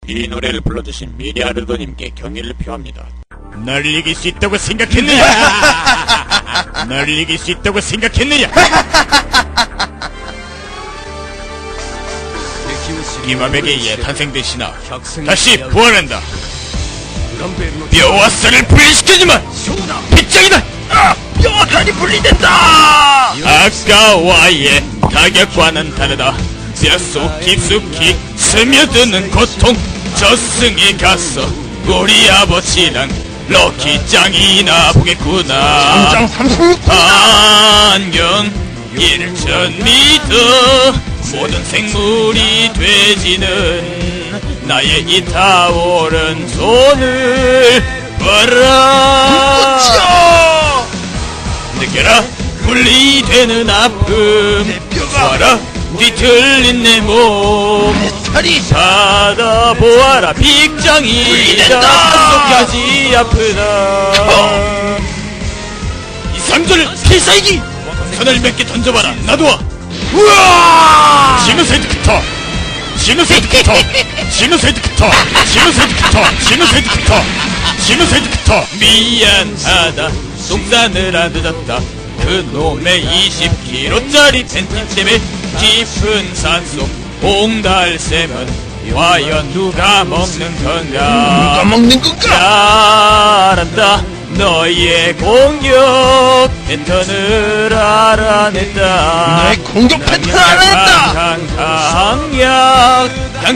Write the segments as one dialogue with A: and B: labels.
A: 이 노래를 불러주신 미리아르도님께 경의를 표합니다.
B: 널 이길 수 있다고 생각했느냐? 널 이길 수 있다고 생각했느냐? 이맘에게 예탄생되시나 다시 부활한다. 뼈와 쌀을 분리시켜주마! 빗장이다!
C: 뼈와 간이 분리된다!
B: 아까와의 타격과는 다르다. 뼛속 깊숙이 스며드는 고통. 저승에 가서 우리 아버지랑 럭키짱이나 보겠구나.
C: 장 36분
B: 안녕 1000m 모든 생물이 돼지는 나의 이 타오른 손을 봐라. 느껴라 분리되는 아픔. 봐라 뒤틀린 내 몸.
C: 털이
B: 받아보아라 빅장이다. 뼛속까지 아프다. 이 상자를 필살기 선을 몇 개 던져봐라. 놔둬.
C: 우와!
B: 시누세드부터 시누세드부터 시누세드부터 시누세드부터 시누세드부터 시누세드부터. 미안하다 똥싸느라 늦었다. 그놈의 20kg짜리 팬티 때문에 깊은 산속 봉달샘은 과연 누가 먹는 건가?
C: 누가 먹는 건가?
B: 잘한다. 너의 공격 패턴을 알아냈다.
C: 너의 공격 패턴을 알아냈다.
B: 강약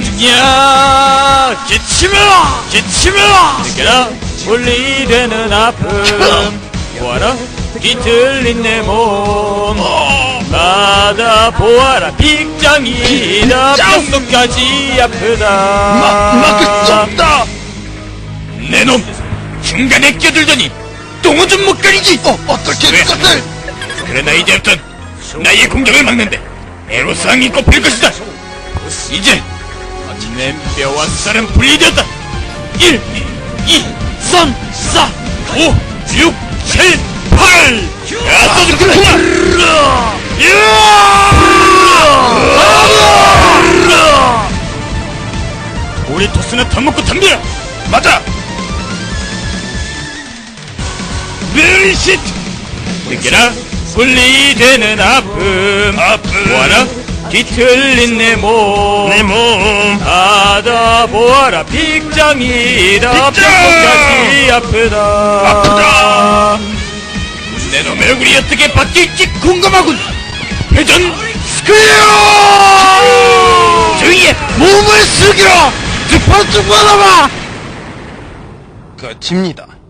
B: 강중약 기침을 느껴라 분리되는 아픔. 보아라 뒤틀린 내 몸. 받아보아라 빅장이다. 뼛속까지 아프다.
C: 막을 수 없다.
B: 내놈 중간에 끼어들더니 똥은 좀 못 가리지.
C: 어떻게
B: 왜?
C: 그것을?
B: 그러나 이제부턴 나의 공격을 막는데 애로사항이 꼽힐 것이다. 이제 내 뼈와 쌀은 분리되었다. 1, 2, 3, 4, 5, 6, 7, 8. 야, 소주 그만이야. 우리 토스는 더 먹고 덤벼.
C: 맞아.
B: 멜시트 느껴라 분리되는 아픔. 보아라 뒤틀린 내 몸. 받아보아라 빅장이다. 뼈까지 아프다. 내 놈의 얼굴이 어떻게 바뀔지 궁금하군. 회전 스크류.
C: 저기에 몸을 숙이라. 두판 좀 받아봐. 끝입니다.